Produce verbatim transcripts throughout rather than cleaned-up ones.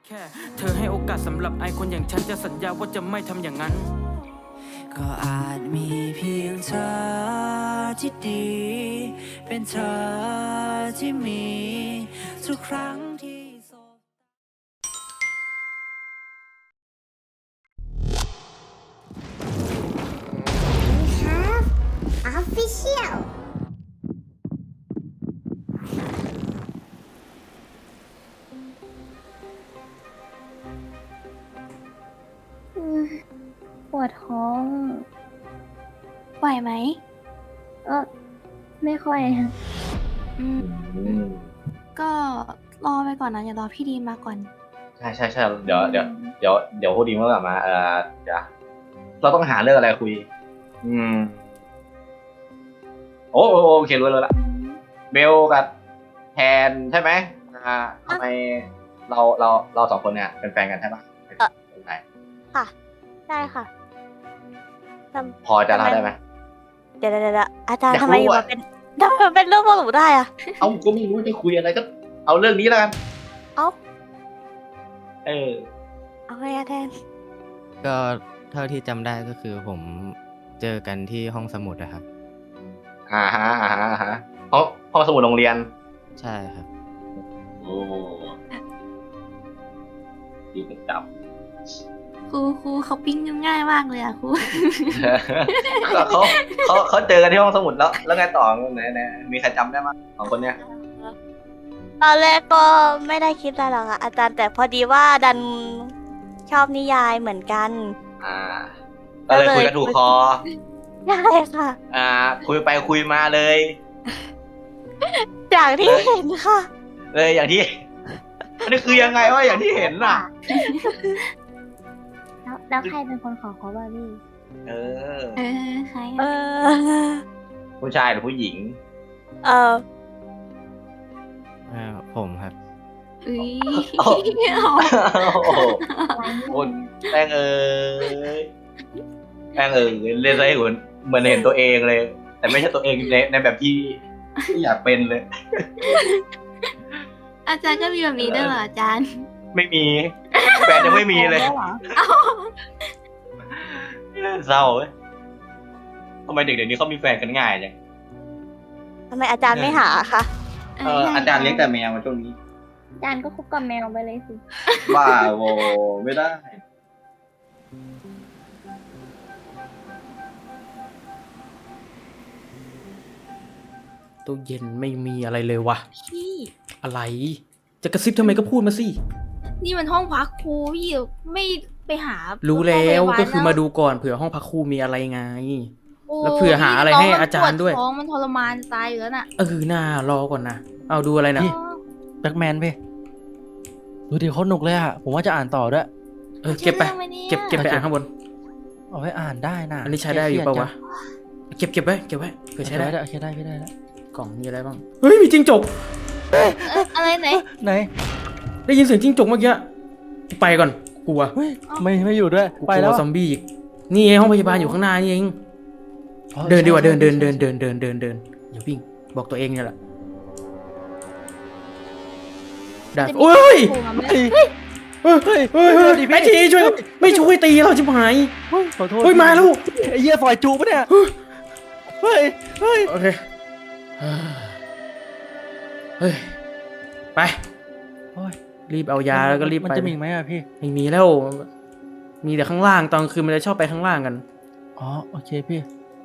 แค่เธอให้โอกาสสำหรับไอคนอย่างฉันจะสัญญาว่าจะไม่ทำอย่างนั้นก็อาจมีเพียงเธอที่ดีเป็นเธอที่มีทุกครั้งที่สบ We have official อืมปวดท้องไหวไหมเออไม่ค่อยค่ะอืมก็รอไปก่อนนะอย่ารอพี่ดีมาก่อนใช่ใช่ใช่เดี๋ยวเดี๋ยวเดี๋ยวเดี๋ยวพอดีเมื่อกลับมาเออเดี๋ยวเราต้องหาเรื่องอะไรคุย อืมโอ้โอ้โอเครู้แล้วละเบลกับแทนใช่ไหมอ่าทำไมเราเราเราสองคนเนี่ยเป็นแฟนกันใช่ปะเป็นไงค่ะ ได้ค่ะทพอจะเล่าได้ไหมำเดี๋ยวเดี๋ยวเดี๋ยวอาจารย์อยากทำไมรู้อยู่อะมาเป็นทำไมมันเป็นเรื่องพวกหนูได้อะเอ้าก็ไม่รู้จะคุยอะไรก็ เอาเรื่องนี้แล้วกันเอ้าเออเอาไงอะแทนก็เท่าที่จำได้ก็คือผมเจอกันที่ห้องสมุดนะครับอ่าฮะอ่าฮะอ่าฮะห้องห้องสมุดโรงเรียนใช่ครับโอ้ดีเป็นจับครูครูเขาปิ้งกันง่ายมากเลยอ่ะครูก็เขาเขาเขาเจอกันที่ห้องสมุดแล้ว แล้วไงต่อไหนไหนมีใครจำได้มั้ยสองคนเนี้ยตอนแรกก็ไม่ได้คิดอะไรหรอกอะอาจารย์แต่พอดีว่าดันชอบนิยายเหมือนกันอ่า ก็เลยคุยกันถูกคอใช่ค่ะอ่า คุยไปคุยมาเลยจากที่เห็นค่ะเลยอย่างที่ อันนี้คือยังไงว่าอย่างที่เห็นน่ะแล้วแล้วใครเป็นคนขอเขาบาร์บี้เออเออใครเออะอผู้ชายหรือผู้หญิงเอออ่าผมครับอุ้ยโอ้ โอ้โหคนแป้งเอ้ยแป้งเอ้ยเล่นอะไรเหมือนเหมือนเห็นตัวเองเลย แต่ไม่ใช่ตัวเองในในแบบที่ที่อยากเป็นเลยอาจารย์ก็มีแบบนี้ด้วยเหรออาจารย์ไม่มี แฟนยังไม่มีเลย เศร้าเว้ยทำไมเด็กเดี๋ยวนี้เขามีแฟนกันง่ายจังทำไมอาจารย์ไม่หาคะเอออาจารย์เลี้ยงแต่แมวมาช่วงนี้อาจารย์ก็คุกกับแมวไปเลยสิบ้าโวไม่ได้ตู้เย็นไม่มีอะไรเลยวะพี่อะไร จะกระซิบทำไมก็พูดมาสินี่มันห้องพักครูพี่ไม่ไปหารู้แล้วห้งพยบาก็คือมาดูก่อนเผื่อห้องพักครูมีอะไรไงโอ้แล้วเผื่อหาอะไรให้อาจารย์ด้วยท้องมันทรมานตายอยู่แล้วน่ะเออน่ารอก่อนนะ เอาดูอะไรนะพี่ แบ็กแมนพี่ดูดิเขาหนุกเลยอะผมว่าจะอ่านต่อด้วยเออเก็บไปชื่อรื่องหมนี่ยเก็บเก็บไปอ่านข้างบนเอาไว้อ่านได้นะอันนี้ใช้ได้อยู่ปะวะ เก็บเก็บไว้เก็บไว้เผื่อใช้ใช้ได้ได้โอเคได้พี่ได้แล้วกล่องมีอะไรบ้าง เฮ้ยมีจิ้งจกเอ๊ะอะไรไหนไหนได้ยินเสียงจิ้งจกเมื่อกี้ไปก่อนกลัวเฮ้ยไม่ไม่อยู่ด้วยกูไปกแล้ลัววซอมบี้อีกนี่ไงห้องพยาบาลอยู่ข้างหน้านี่เองอ๋อเดินดีกว่าใช่เดินเดินใช่เดินเดินเดินเดินเดินอย่าวิ่งบอกตัวเองเนี่ยแหละได้จะมีโอ้ยโผล่มาไหมเฮ้ยเฮ้ยเฮ้ยเฮ้ยเฮ้ยไอ้ทีช่วยไม่ช่วยตีเราชิบหายเฮ้ยขอโทษเฮ้ยมาแล้วไอ้เหี้ยฝอยจูปะเนี่ยเฮ้ยเฮ้ยโอเคเฮ้ยไปโอ้ยรีบเอายาแล้วก็รีบมันไปจะมีอีกไหมอะพี่ไม่มีแล้ว มีแต่ข้างล่างตอนกลางคืนมันจะชอบไปข้างล่างกันอ๋อโอเคพี่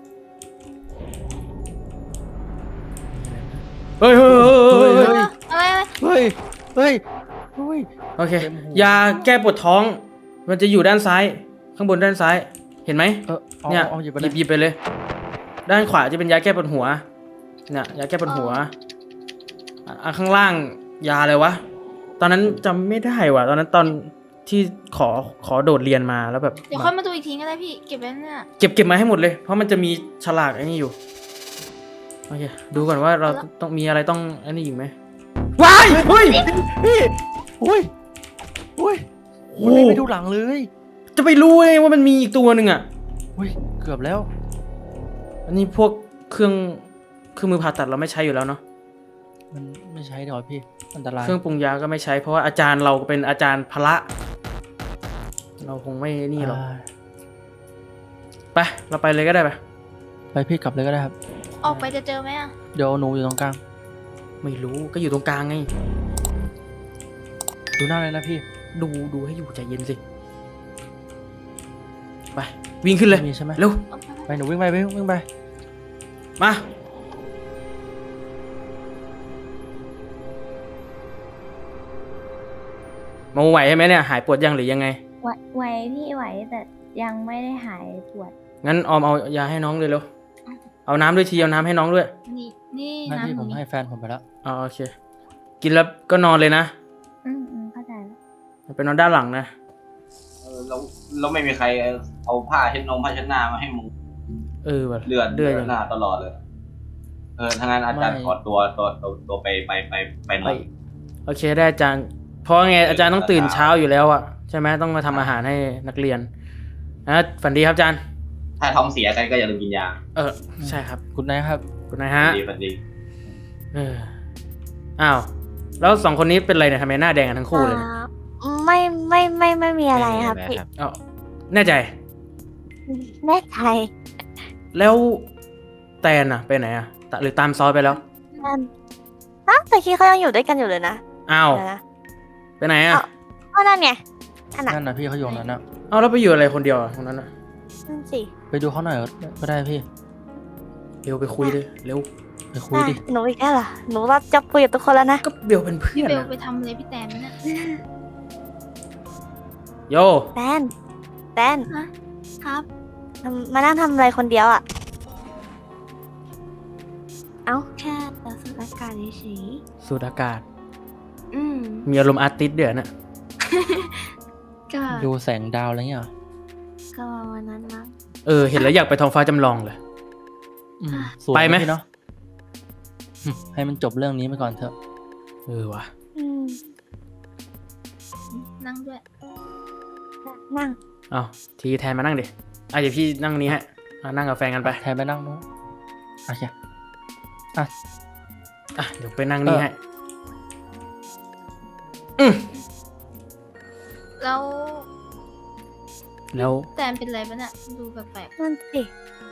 เฮ้ยเฮ้ยเฮ้ยเฮ้ยเฮ้ยอะไรอะไรเฮ้ยเฮ้ยเฮ้ยโอเคเต็มหูยาแก้ปวดท้อง มันจะอยู่ด้านซ้าย ข้างบนด้านซ้าย เห็นไหมเอออาเนี่ยเอาหยิบไปหเลยิยบหยิบไปเลย ด้านขวาจะเป็นยาแก้ปวดหัวเนี่ยยาแก้ปวดหัวอ่ะอ่ะข้างล่างยาอะไรวะ ตอนนั้นจำไม่ได้ว่ะ ตอนนั้นตอนที่ขอขอโดดเรียนมาแล้วแบบเดี๋ยวค่อยมาดูอีกทีก็ได้พี่เก็บไว้เนี่ยเก็บเก็บมาให้หมดเลย เพราะมันจะมีฉลากไอ้นี่อยู่ โอเค ดูก่อนว่าเราต้องมีอะไรต้องอันนี้อีกไหมว้ายเฮ้ยพี่อุ้ยอุ้ยโอ้มันเลยไปดูหลังเลยจะไปรู้เลยว่ามันมีอีกตัวหนึ่งอ่ะอุ้ยเกือบแล้วอันนี้พวกเครื่องเครื่องมือผ่าตัดเราไม่ใช้อยู่แล้วเนาะมันไม่ใช้เดี๋ยวพี่อันตรายเครื่องปรุงยาก็ไม่ใช้เพราะว่าอาจารย์เราเป็นอาจารย์พละ เราคงไม่นี่หรอกอ่าไปเราไปเลยก็ได้ไปไปพี่กลับเลยก็ได้ครับออกไปจะเจอไหมอ่ะเดี๋ยวหนูอยู่ตรงกลางไม่รู้ก็อยู่ตรงกลางไงดูหน้าเลยนะพี่ดูดูให้อยู่ใจเย็นสิ ไป วิ่งขึ้นเลยมีใช่ไหมเร็วออกไปไปหนูวิ่งไปวิ่งวิ่งไปมา มาไหวใช่ไหมเนี่ย หายปวดยังหรือยังไงไหวไหวพี่ไหวแต่ยังไม่ได้หายปวดงั้นออมเอายาให้น้องเลยเร็ว เอาน้ำด้วยทีเอาน้ำให้น้องด้วยนี่นี่หน้าที่น้ำผมนี่ให้แฟนผมไปแล้วอ๋อโอเค กินแล้วก็นอนเลยนะอืมอืมเข้าใจแล้วไปนอนด้านหลังนะเออแล้วแล้วไม่มีใครเอาผ้าเช็ดนมผ้าเช็ดหน้ามาให้มึงเออว่ะเลือดเลืเลืออดดยังหน้าตลอดเลย เออถ้างั้นอาจารย์ไม่ขอตัวตัวตัวตัวไปไปไปไปหน่ไปอยโอเคได้อาจารย์ เพราะไงอาจารย์ต้องตื่นเช้าอยู่แล้วอะใช่ไหมต้องมาทำอาหารให้นักเรียนนะฝันดีครับอาจารย์ถ้าท้องเสียกันก็อย่าลืมกินยาเออใช่ครับคุณนายครับคุณนายฮะดีฝันดีเอออ้าวแล้วสองคนนี้เป็นไรเนี่ยทำไมหน้าแดงกันทั้งคู่เลยเนี่ยอ่าไม่ไม่ไม่ไม่มีอะไรครับม่พี่มีครับอ๋อแน่ใจแน่ใจแล้วแตนอะไปไหนอะตะหรือตามซอยไปแล้วนั่นฮะแต่คิดเขายังอยู่ด้วยกันอยู่เลยนะอ้าวเดี๋ยวนะไปไหนอะอ้าว ก็นั่นไงนั่นน่ะนั่นนะพี่เขาอยู่ตรงนั้นนะเอาแล้วไปอยู่อะไรคนเดียวอะตรงนั้นอะนั่นสิไปดูเขาหน่อยก็ได้พี่เร็วไปคุยเลยเร็วไปคุยดิอ่ะหนูอีกแล้วเหรอหนูว่าจะคุยกับทุกคนแล้วนะก็เบลเป็นเพื่พี่อนเบลอะไปทำอะไรพี่แตนเนี่ยโยแตนแตนครับทำมานั่งทำอะไรคนเดียวอ่ะ เอ้าแค่เราสูดอากาศเฉยสูดอากาศๆอืมมีอารมณ์อาร์ติสต์เดือดน่ะก็ดูแสงดาวอะไรเงี้ยเหรอก็วันนั้นมั้งเออเห็นแล้วอยากไปท้องฟ้าจำลองเลยอืมสวยไปไหมพี่เนาะอืมให้มันจบเรื่องนี้ไปก่อนเถอะเออว่ะอืมนั่งด้วยนั่งเอาทีแทนมานั่งดิอ่ะเดี๋ยวพี่นั่งนี้ฮะอ่ะนั่งกับแฟนกันไปแทนไปนั่งนู้นโอเคอ่ะเดี๋ยวไปนั่งนี่เออให้อืมแล้วแล้วแตนเป็นอะไรปะเนี่ยดูแปลกนั่นสิ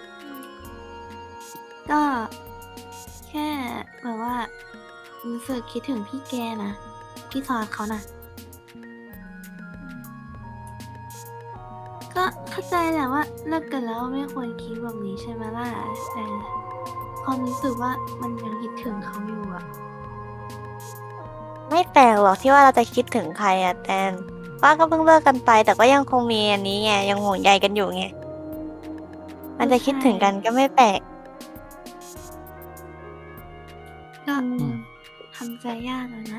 ก็แค่แบบว่ารู้สึกคิดถึงพี่แกนะ พี่ซอสเขานะก็เข้าใจแหละว่าเลิกกันแล้วไม่ควรคิดแบบนี้ใช่ไหมล่ะแต่ความรู้สึกว่ามันยังคิดถึงเขาอยู่อะไม่แปลกหรอกที่ว่าเราจะคิดถึงใครอะแตนว่าก็เพิ่งเลิกกันไป แต่ก็ยังคงมีอันนี้ไงยังห่วงใยกันอยู่ไงมันจะคิดถึงกันก็ไม่แปลกก็ทำใจยากอะนะ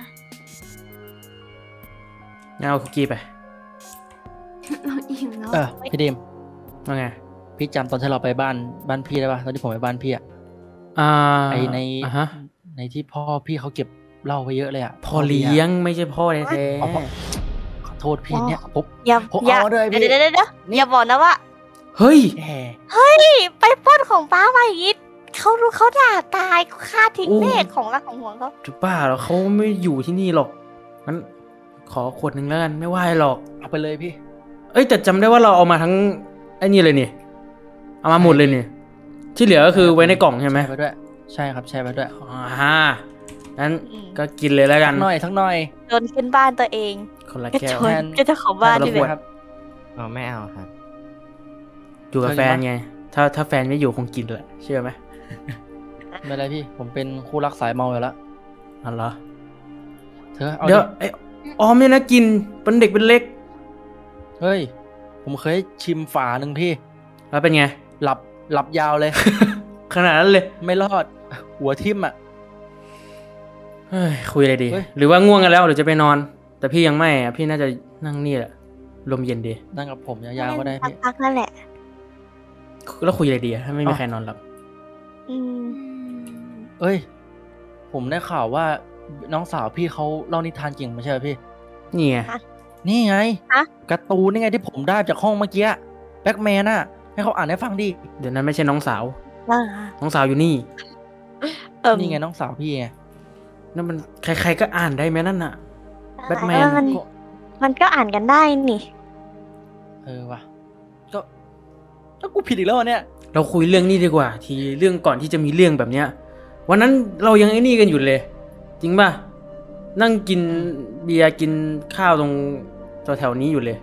งั้นเอาคุกกี้ไปเราอิ่มแล้วเออพี่ดิมว่าไงพี่จำตอนที่เราไปบ้านบ้านพี่ได้ปะตอนที่ผมไปบ้านพี่อะอ่าไอในอ่ะฮะในที่พ่อพี่เขาเก็บเหล้าไว้เยอะเลยอะพ่อเลี้ยงไม่ใช่พ่อแท้อ๋อพ่อขอโทษพี่เนี่ยผมอย่าผมอย่าเอาด้วยพี่เดี๋ยวเดี๋ยวเดี๋ยวอย่าบอกนะว่าๆเฮ้ยแหมพี่ไปปล้นของป้ามาอีกเขารู้เขาด่าตายเขาฆ่าทิ้งโอ้แม่ของรักของห่วงเขาจุบ้าแล้วเขาไม่อยู่ที่นี่หรอกงั้นขอขวดหนึ่งแล้วกันไม่ว่าหรอกเอาไปเลยพี่เอ้ยแต่จำได้ว่าเราเอามาทั้งไอ้นี่เลยนี่เอามาหมดเลยนี่ที่เหลือก็คือไว้ในกล่องใช่ไหมแชร์ไปด้วย ใช่ครับแชร์ไปด้วยอ่างั้นก็กินเลยแล้วกัทันกหน่อยทักหน่อยโดนขึ้นบ้านตัวเองคนละก็แก้ชวนแทนก็เจ้าของบ้านคนละนี่ขเลวดยครับอ๋อไม่เอาครับอยู่กับแฟนไง ถ้าถ้าแฟนไม่อยู่คงกินแหละเชื่อไหมไม่เป็นไรพี่ ผมเป็นคู่รักสายเมาอยู่แล้วอ๋อเหรอเธอเอาเดี๋ยวดิไอ้ออมเนี่ยนะกินเป็นเด็กเป็นเล็กเฮ้ย ผมเคยชิมฝาหนึ่งพี่แล้วเป็นไงหลับหลับยาวเลยขนาดนั้นเลยไม่รอด หัวทิ่มอ่ะเฮ้ยคุยอะไรดีเฮ้ยหรือว่าง่วงกันแล้วหรือจะไปนอน แต่พี่ยังไม่อะพี่น่าจะนั่งนี่แหละลมเย็นดีนั่งกับผมยาวๆก็ได้พี่พักๆนั่นแหละแล้วคุยอะไรดีอะถ้าไม่มีเอ้าใครนอนหลับอืมเอ้ย ผมได้ข่าวว่าน้องสาวพี่เขาเล่านิทานเก่งไม่ใช่เหรอพี่นี่ไงนี่ไงฮะการ์ตูนนี่ไงที่ผมได้จากห้องเมื่อกี้แบ็กแมนน่ะ ให้เขาอ่านให้ฟังดิเดี๋ยวนั้นไม่ใช่น้องสาวว่าน้องสาวอยู่นี่เอิ่มนี่ไงน้องสาวพี่ไงนั่นมันใครๆก็อ่านได้ไหมนั่นน่ะ แบทแมนเออมัน มันก็อ่านกันได้นี่เออว่ะก็ก็กูผิดอีกแล้วเหรอเนี่ยเราคุยเรื่องนี้ดีกว่า ทีเรื่องก่อนที่จะมีเรื่องแบบเนี้ย วันนั้นเรายังไอ้นี่กันอยู่เลย จริงป่ะ นั่งกินเบียร์กินข้าวตรงแถวๆนี้อยู่เลย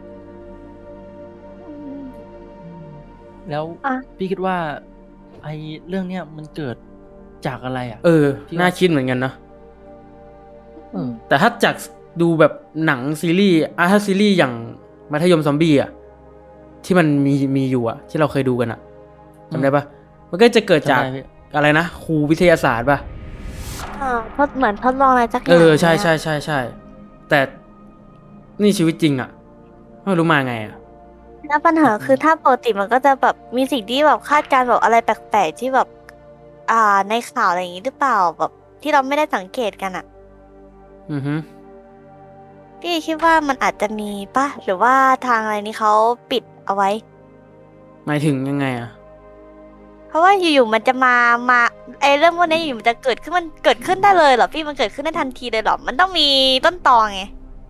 แล้วอ่ะพี่คิดว่า ไอ้เรื่องเนี้ยมันเกิดจากอะไรอ่ะเออพี่ว่าน่าคิดเหมือนกันเนอะเออแต่ถ้าจากดูแบบหนังซีรีส์อ่ะถ้าซีรีส์อย่างมัธยมซอมบี้อ่ะที่มันมีมีอยู่อ่ะ ที่เราเคยดูกันอ่ะจำได้ปะมันก็จะเกิดจากจำได้พี่อะไรนะครูวิทยาศาสตร์ปะเออทดเหมือนทดลองอะไรสักอย่างเออใช่นี่ยใช่ใช่ใช่แต่นี่ชีวิตจริงอ่ะไม่รู้มาไงอ่ะแล้วปัญหาคือถ้าปกติมันก็จะแบบมีสิ่งที่แบบคาดการณ์แบบอะไรแปลกๆที่แบบ อ่าในข่าวอะไรอย่างงี้หรือเปล่าแบบที่เราไม่ได้สังเกตกันอ่ะอือฮึพี่คิดว่ามันอาจจะมีป่ะหรือว่าทางอะไรนี้เขาปิดเอาไว้หมายถึงยังไงอ่ะเพราะว่าอยู่ๆมันจะมามาไอเรื่องพวกนี้อยู่ๆมันจะเกิดขึ้นมันเกิดขึ้นได้เลยเหรอพี่มันเกิดขึ้นได้ทันทีเลยเหรอมันต้องมีต้นตอไง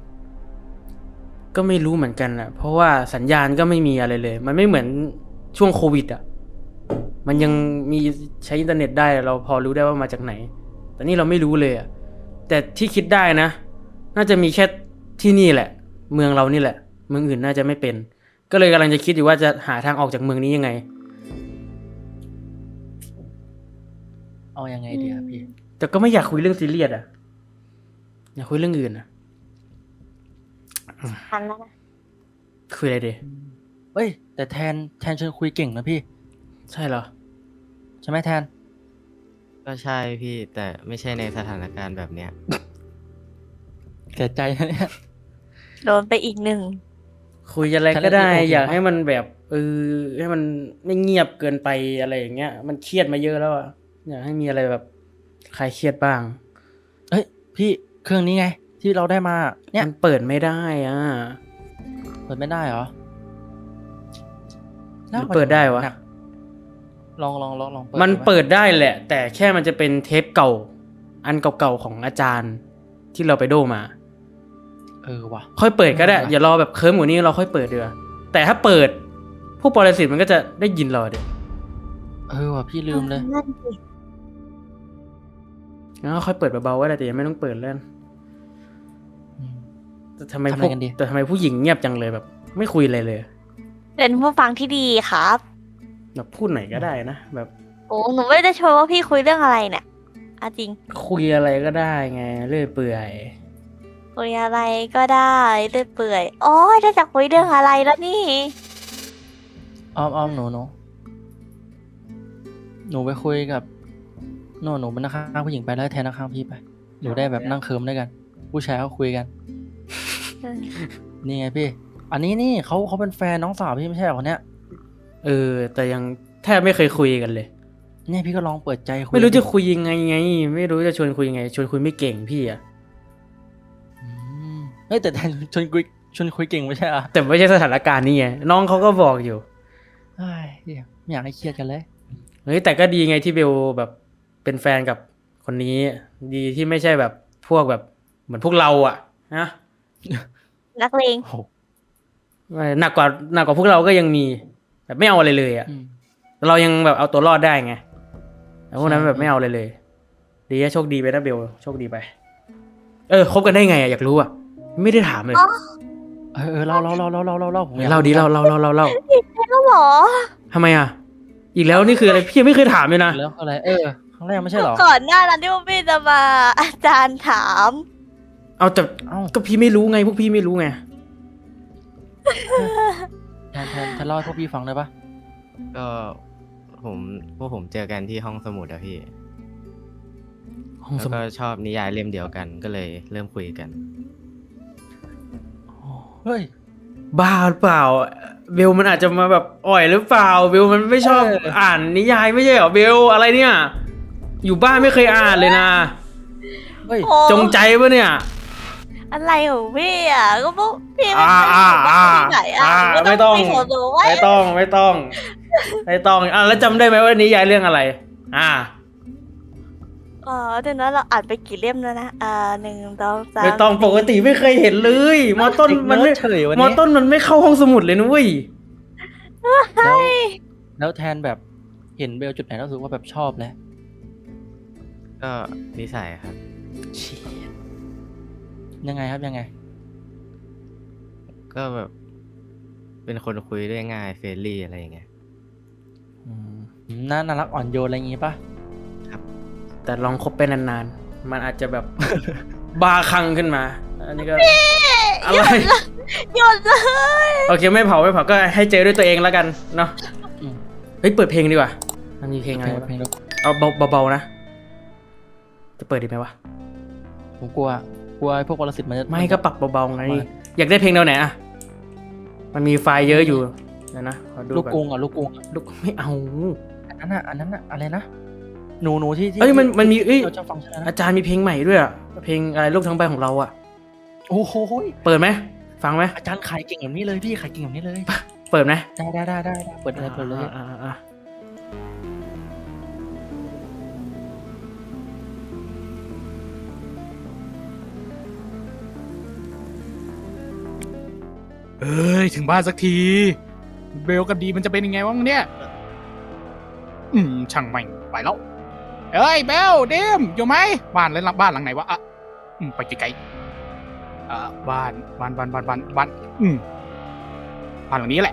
ก็ไม่รู้เหมือนกันอ่ะ เพราะว่าสัญญาณก็ไม่มีอะไรเลย มันไม่เหมือนช่วงโควิดอ่ะ มันยังมีใช้อินเทอร์เน็ตได้เราพอรู้ได้ว่ามาจากไหน แต่นี่เราไม่รู้เลยอ่ะ แต่ที่คิดได้นะ น่าจะมีแค่ที่นี่แหละ เมืองเรานี่แหละ เมืองอื่นน่าจะไม่เป็น ก็เลยกำลังจะคิดอยู่ว่าจะหาทางออกจากเมืองนี้ยังไงเอายังไงดีอะพี่แต่ก็ไม่อยากคุยเรื่องซีเรียสอ่ะ อยากคุยเรื่องอื่นอ่ะทันแล้วนะคุยอะไรดีเอ้ย แต่แทนแทนชวนคุยเก่งนะพี่ใช่เหรอใช่ไหมแทนก็ใช่พี่แต่ไม่ใช่ในสถานการณ์แบบเนี้ยเสียใจนะเนี่ยโดนไปอีกหนึ่งคุยอะไรก็ได้ทะเลาะกันอยากปะให้มันแบบเออให้มันไม่เงียบเกินไปอะไรอย่างเงี้ย มันเครียดมาเยอะแล้วอ่ะอยากให้มีอะไรแบบคลายเครียดบ้างเอ้ย พี่เครื่องนี้ไง ที่เราได้มา เนี่ยมันเปิดไม่ได้อ่ะเปิดไม่ได้เหรอหรือเปิดได้วะหนักลองลองลองลองเปิดมันดูไหเปิดได้แหละ แต่แค่มันจะเป็นเทปเก่า อันเก่าๆของอาจารย์ที่เราไปโดมาเออว่ะค่อยเปิดก็ได้เออว่ะอย่ารอแบบเคิร์มกว่านี้เราค่อยเปิดเดือแต่ถ้าเปิด พวกปรสิตมันก็จะได้ยินเราเดี๋ยวเออว่ะพี่ลืมเลยนั่นสิงั้นก็ค่อยเปิดเบาๆก็ได้แต่ยังไม่ต้องเปิดเล่นอืมแต่ทำไมทำพอะไรวกกันดีแต่ทำไมผู้หญิงเงียบจังเลยแบบ ไม่คุยอะไรเลยเป็นผู้ฟังที่ดีครับแบบพูดหน่อยก็ได้นะแบบโอ้หนูไม่ได้ชวนว่าพี่คุยเรื่องอะไรเนี่ยเอาจริงคุยอะไรก็ได้ไงเรื่อยเปื่อยคุยอะไรก็ได้เรื่อยเปื่อยโอ้ยถ้าจะคุยเรื่องอะไรแล้วนี่อ้อมอ้อมหนูหนูหนูไปคุยกับหนูหนูเป็นนักข้างผู้หญิงไปแล้วให้แทนนักข้างพี่ไปหนูได้แบบนั่งเคิร์มด้วยกัน ผู้ชายเขาคุยกัน นี่ไงพี่ อันนี้นี่เขาเขาเป็นแฟนน้องสาวพี่ไม่ใช่เหรอคนเนี้ยเออ แต่ยังแทบไม่เคยคุยกันเลยเนี่ยพี่ก็ลองเปิดใจคุยไม่รู้จะดิคุยยังไงไง ไม่รู้จะชวนคุยยังไง ชวนคุยไม่เก่งพี่อะอืมเฮ้ยแต่แทนชวนคุยชวนคุยเก่งไม่ใช่เหรอ่ะแต่ไม่ใช่สถานการณ์นี้ไงน้องเขาก็บอกอยู่เฮ้ยเหี้ยไม่อยากให้เครียดกันเลยเฮ้ยแต่ก็ดีไงที่เบลแบบเป็นแฟนกับคนนี้ ดีที่ไม่ใช่แบบพวกแบบเหมือนพวกเราอะนะนักเลงโอ้โหหนักกว่าหนักกว่าพวกเราก็ยังมีแบบไม่เอาอะไรเลยอะอืมเรายังแบบเอาตัวรอดได้ไงแต่พวกนั้นใช่แบบไม่เอาเลยเลย ดีนะโชคดีไปนะเบลโชคดีไป เออคบกันได้ไงอะอยากรู้อะไม่ได้ถามเลยอ๋อเออเออเล่าเล่าเล่าเล่าเล่าเล่าเล่าผมอยกเล่าดีเล่าเล่าเล่าเล่าเล่าแล้วเหรอทำไมอะอีกแล้วนี่คืออะไรพี่ยังไม่เคยถามเลยนะแล้วอะไร เออครั้งแรกไม่ใช่เหรอก่อนหน้านั้นที่พวกพี่จะมาอาจารย์ถามเอาแต่เอ้าก็พี่ไม่รู้ไงพวกพี่ไม่รู้ไงแทนแทนแทนเล่าให้พวกพี่ฟังได้ปะก็ผมพวกผมเจอกันที่ห้องสมุดอะพี่ห้องแล้วสมุก็ดชอบนิยายเล่มเดียวกันก็เลยเริ่มคุยกันเฮ้ยบ้าหรือเปล่าเบลมันอาจจะมาแบบอ่อยหรือเปล่าเบลมันไม่ชอบเอออ่านนิยายไม่ใช่เหรอเบลอะไรเนี่ย อยู่บ้านไม่เคยอ่านเลยนะเฮ้ยโอ้จงใจปะเนี่ยอะไรของพี่อ่ะก็พวกพี่ไม่อ่าเคยอ่าอยู่บ้านที่ไหนอ่ะอ่าก็ไม่ต้องไปขอดูไว้ไม่ต้องไม่ต้องไม่ต้องอ่ะแล้วจำได้ไหมว่านิยายเรื่องอะไร อ่าอ๋อเดี๋ยวนั้นเราอ่านไปกี่เล่มแล้วนะอ่าหนึ่งสองสามไม่ต้องปกติไม่เคยเห็นเลยมอต้นมันไม่เฉยวันมอนี้ต้นมันไม่เข้าห้องสมุดเลยนะเว้ยแล้วแล้วแทนแบบเห็นเบลจุดไหนแล้วรู้สึกว่าแบบชอบแล้วก็นิสัยครับเชียยังไงครับยังไงก็แบบ เป็นคนคุยด้วยง่ายเฟรนลี่อะไรอย่างเงี้ยอืมน่าน่ารักอ่อนโยนอะไรอย่างงี้ปะแต่ลองคบไปนานๆ มันอาจจะแบบ บาคลั่งขึ้นมา อันนี้ก็อะไรหยุดเลยโอเคไม่เผาไม่เผาก็ให้เจอด้วยตัวเองแล้วกันเนาะอืมเฮ้ยเปิดเพลงดีกว่ามันมีเพลงอะไรเพลงบ้างเพลงดูเอาเบาเบาๆนะ จะเปิดดีไหมวะผมกลัวกลัวไอ้พวกวรสิทธิ์มันจะไม่ก็ปรับเบาๆไงประมาณอยากได้เพลงแนวไหนอะมันมีไฟล์เยอะอยู่เดี๋ยวนะขอดูลูกอนกรุงอ่ะลูกกรุงอะลูกไม่เอาอันนั้นอ่ะอันนั้นอ่ะอะไรนะหนูหนูที่ที่เอ้ยมันมันมีเอ้ยเราชอบฟังใช่ไหมอาจารย์มีเพลงใหม่ด้วยอะเพลงอะไรลูกทั้งใบของเราอะโอ้โหเปิดไหมฟังไหมอาจารย์ขายเก่งแบบนี้เลยพี่ขายเก่งแบบนี้เลยเปิดไหมได้ได้ได้ได้ได้เปิดเลยเปิดเลยอ่าอ่าอ่าเอ้ยถึงบ้านสักที เบลกับดีมันจะเป็นยังไงวะเนี่ย อืมช่างแม่งไปแล้ว เอ้ยเบลเดมอยู่ไหมบ้านแล้วบ้านหลังไหนวะอ่ะอืมไปไกลๆอ่าบ้านบ้านบ้านบ้านบ้านบ้านอืมบ้านหลังนี้แหละ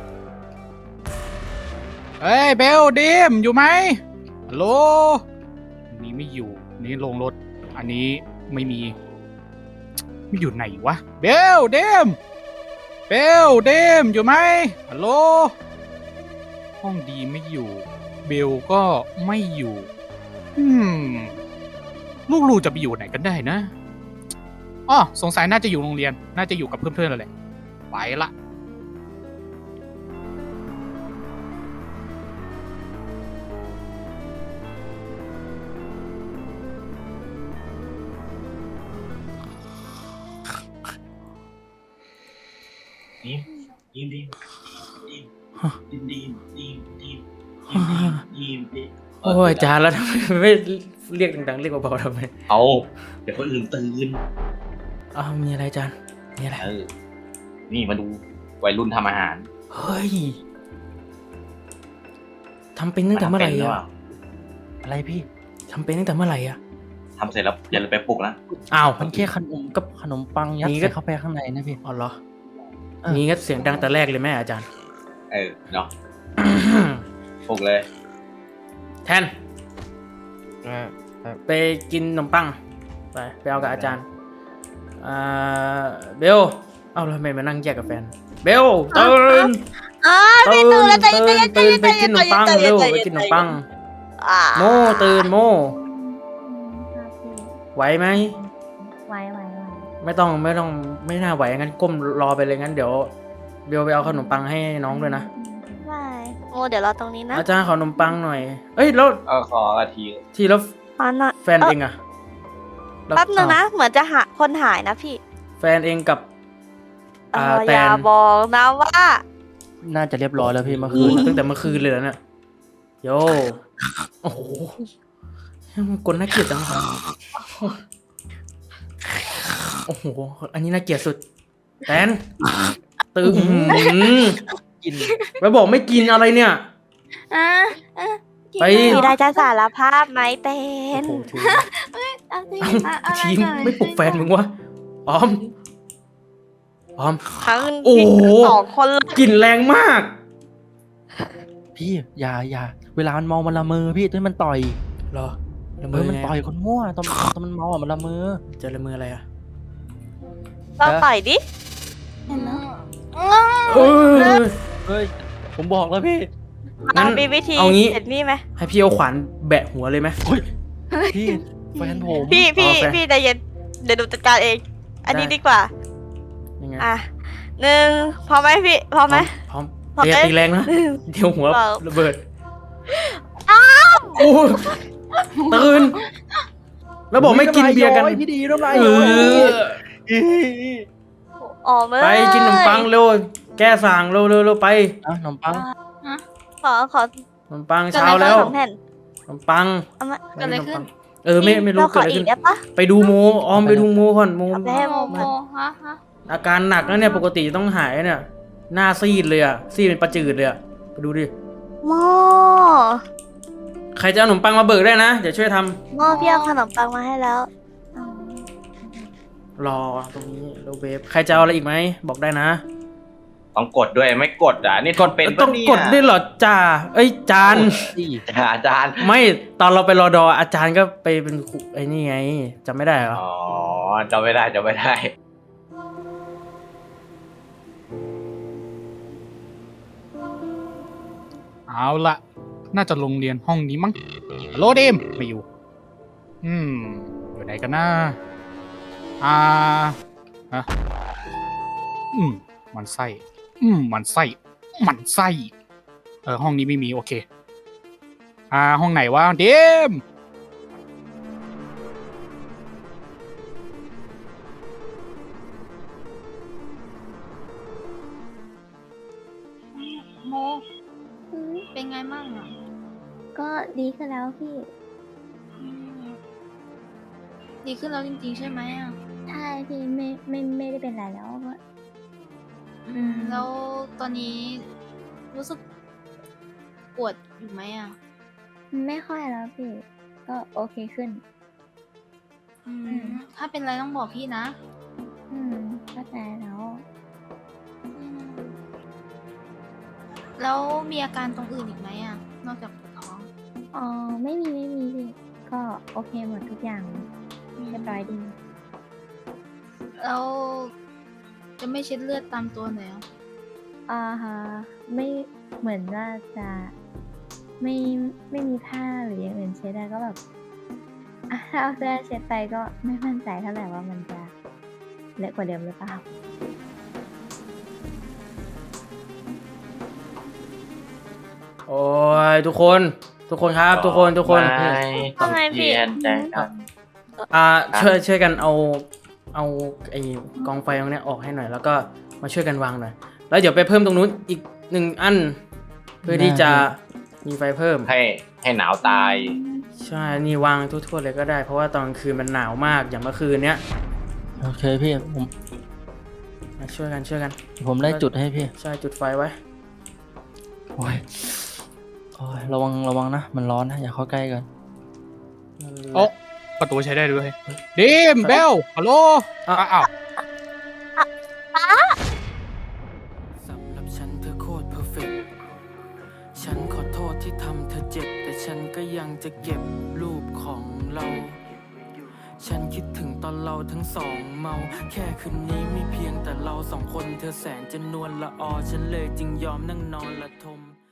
เฮ้ยเบลเดมอยู่ไหมฮัลโหลอันนี้ไม่อยู่อันนี้ลงรถ อันนี้ไม่มี ไม่อยู่ไหนวะเบลเดมเบลเดมอยู่ไหมฮัลโหลห้องดีไม่อยู่ เบลก็ไม่อยู่ อืมลูกลูจะไปอยู่ไหนกันได้นะอ๋อสงสัยน่าจะอยู่โรงเรียน น่าจะอยู่กับเพื่อนๆแล้วแหละไปละดีมดีมดีมดีมดีมดีมดีมดีมดีมโอ้ยอาจารย์แล้วทำไมไม่เรียกดังๆเรียกเบาๆทำไมเอาเดี๋ยวคนอื่นตื่นอ้าวมีอะไรอาจารย์มีอะไรเออนี่มาดูวัยรุ่นทำอาหารเฮ้ยทำเป็นตั้งแต่เมื่อไหร่ทำป็นรือปอะล่าอะไรพี่ทำเป็นตั้งแต่เมื่อไหร่อะทำเสร็จแล้วอย่าลืมไปปลุกนะอ้าวมันแค่ขนมกับขนมปังยัดนี่ก็ใส่เข้าไปข้างในนะพี่อ๋อเหรอเออนี่ก็เสียงดังแต่แรกเลยแม่อาจารย์เออเนาะปลุกเลยแทนไปกินขนมปังไปไปเอากับอาจารย์อ่าเบลเอาแล้วทำไมมานั่งแยกกับแฟนเบลตื่นอ่าตื่พี่ตื่นนแล้วใจตื่เย็นนใจตื่นเย็นไปกินขนมปังใจเร็ย็วใจไปย็กินขนมปังอ่าโมตื่นโมอืมครับพี่ไหวไหมไหวไหวไหวไม่ต้องไม่ต้องไม่น่าไหวงั้นก้มรอไปเลยงั้นเดี๋ยวเบลไปเอาขนมปังให้น้องด้วยนะได้โอ้เดี๋ยวรอตรงนี้นะอาจารย์ขอขนมปังหน่อยเอ้ยแล้วเออขออาทีทีแล้วขอหน่อยแฟนเองอะล้วแป๊บนึงนะ เหมือนจะหาคนหายนะพี่แฟนเองกับเออ่าอแตอย่าน บอกนะว่าน่าจะเรียบร้อยแล้วพี่เมื่อคืคืนนอะตั้งแต่เมื่อคืนเลยแล้วเนี่ยโยโอ้โหมันกลน่าเกลียดจังวะโอ้โหอันนี้น่าเกลียดสุดแตนตื่นกินแล้วบอกไม่กินอะไรเนี่ยอ่ะอ่ะกินไปด้มีเหรได้อจะสารภาพไหมเป็โอ้นโหทีมเอาสิเอ้าอ่ะอะไรทีมเกิดไม่ปลุกแฟนมึงวะออมออมทั้งโอ้โหสองคนเลยกลิ่นแรงมากพี่อย่าอย่าเวลามันเมองมันละเมอพี่ต้นมันต่อยเหรอละเอเมออมันไงต่อยคนมั่วตอนตอนมันเมาอ่ะมันละเมอจะละเมออะไรอะเราต่อยดิเห็นแล้วเออเฮ้ยผมบอกแล้วพี่งั้นมีวิธีเอางี้เห็นนี่ไหมให้พี่เอาขวานแบะหัวเลยไหมพี่แฟนผมพี่พี่โอเคพี่ใจเย็นเดี๋ยวดูจัดการเอง อันนี้ได้ดีกว่ายังไงอ่ะหนึ่งพร้อมไหมพี่พร้อมไหมพร้อมพร้อมเตียเอ้ยตีแรงนะ เดี๋ยวหัวเปล่าระเบิดโอ้ยตื่น แล้วบอกไม่กินเบียร์กันโอ้พี่ดีน้ำลายเอย้อยอออกมาไปกินขนมปังเร็ว แก้สั่งเร็วเร็วเร็วไปอ่ะขนมปังขอขอขนมปังเช้าแล้วสองแผ่นขนมปังเอามาไปกินขนมปังเออไม่ไม่รู้เราขเกิดออะไรอีขึ้กนได้ปะไปดูโมออมไปดูโมก่อนโมเอาไปให้โมโมโมฮะฮะอาการหนักแล้วเนี่ยปกติต้องหายเนี่ยหน้าซีดเลยอะซีดเป็นประจืดเลยอะไปดูดิโมใครจะเอาขนมปังมาเบิกได้นะเดี๋ยวช่วยทำโมพี่เอาขนมปังมาให้แล้วอ๋อรอตรงนี้โลเวฟใครจะเอาอะไรอีกไหมบอกได้นะต้องกดด้วยไม่กดอ่ะนี่ทนเป็นต้องปะเนี่ยกดด้วยเหรอจ่าเอ้ยจานอาจารย์ไม่ตอนเราไปรอดออาจารย์ก็ไปเป็นครูไอ้นี่ไงจำไม่ได้เหรออ๋อจำไม่ได้จำไม่ได้เอาละน่าจะโรงเรียนห้องนี้มั้งฮัลโหลเดมไม่อยู่ อืม อยู่ไหนกันนะอ่าฮะอืม มันไส้ อืม มันไส้ มันไส้ เออ ห้องนี้ไม่มี โอเค อ่า ห้องไหนวะ เดมโมอืมเป็นไงมั่งอ่ะก็ดีขึ้นแล้วพี่อืมดีขึ้นแล้วจริงๆใช่ไหมอ่ะใช่พี่ไม่ไม่ไม่ได้เป็นไรแล้วก็อืมแล้วตอนนี้รู้สึกปวดอยู่ไหมอ่ะไม่ค่อยแล้วพี่ ก็โอเคขึ้นอือืมมถ้าเป็นไรต้องบอกพี่นะอืมเข้าใจแล้วอืมแล้วมีอาการตรงอื่นอีกไหมอ่ะ นอกจากปวดท้องอ๋อไม่มีไม่มีพี่ก็โอเคหมดทุกอย่างเรียบร้อยดีแล้วจะไม่เช็ดเลือดตามตัวหน่อยเหรออ่าฮะไม่เหมือนว่าจะไม่ไม่มีผ้าหรืออย่างอื่นเช็ดได้ก็แบบอ่ะถ้าเอาเสื้อเช็ดไปก็ไม่มั่นใจเท่าไหร่ว่ามันจะเละกว่าเดิมหรือเปล่าโอ้ยทุกคนทุกคนครับ ทุกคนทุกคนไม่ต้องว่าไงพี่เรียนใจกันอ่าช่วยช่วยกันเอาเอาไอ้กองไฟตรงเนี้ยออกให้หน่อย แล้วก็มาช่วยกันวางหน่อยแล้วเดี๋ยวไปเพิ่มตรงนู้นอีกหนึ่งอัน เพื่อที่จะมีไฟเพิ่มให้ให้หนาวตายใช่นี่วางทั่วๆเลยก็ได้ เพราะว่าตอนกลางคืนมันหนาวมากอย่างเมื่อคืนเนี้ยโอเคพี่ผมมาช่วยกันช่วยกันผมได้จุดให้พี่ใช่จุดไฟไว้โอ้ยโอ้ยระวังระวังนะ มันร้อนนะอย่าเข้าใกล้กันโอ้ประตูใช้ได้ด้วยเดมเบลฮัลโหลอ่ะอ้าวสำหรับฉันเธอโคตรเพอร์เฟกต์ฉันขอโทษที่ทำเธอเจ็บ แต่ฉันก็ยังจะเก็บรูปของเรา ฉันคิดถึงตอนเราทั้งสองเมา แค่คืนนี้ไม่เพียงแต่เราสองคนเธอแสนจะนวลละออ ฉันเลยจึงยอมนั่งนอนละทม